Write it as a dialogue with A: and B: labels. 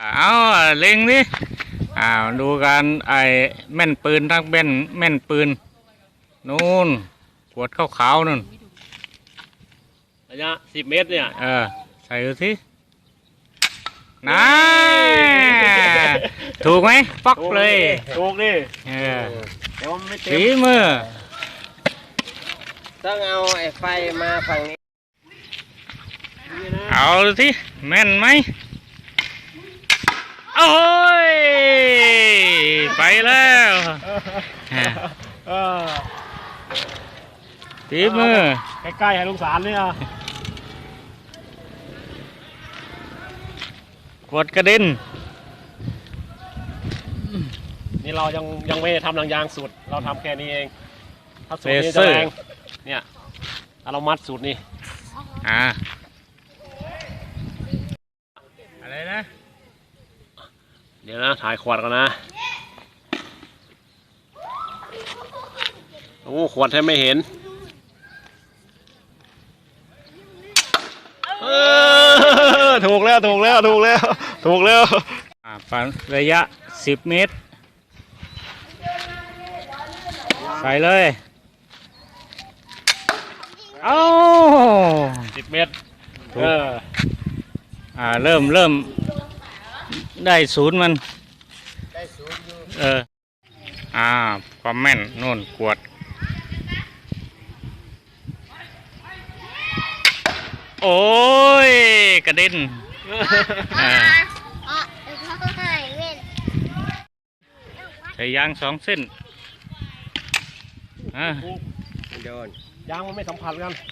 A: เอาเล็งดิดูการแม่นปืนทั้งแม่นปืนนู่นขวดขาวๆนู่น
B: ระยะ10 เมตรเนี่ย
A: ใส่ดูสินะถูกไหมปักเลย
B: ถูกดิ
A: ฝีมือ
C: ต้องเอาไอ้ไฟมาฝั่งนี้
A: เอาดูสิแม่นไหมโอ้ยไปแล้วฝีมือ
B: ใกล้ๆให้ลุงสารเนี่ย
A: กดกระเด็น
B: นี่เรายังไม่ทำหนังยางสุดเราทำแค่นี้เองถ้าสูตรนี้จะแรงเนี่ยเรามัดสูตรนี้
A: อะไรนะ
B: เดี๋ยวนะถ่ายขวดกันนะโอ้ขวดแทบไม่เห็นถูกแล้ว
A: ปันระยะ10 เมตรใส่เลยเอา
B: 10 เมตร
A: เริ่มได้ศูนย์มันความแม่นนู่นขวดโอ้ยกระเด็นใส่ยาง2 เส้น
C: โดน
B: ยางมันไม่สัมผัสกัน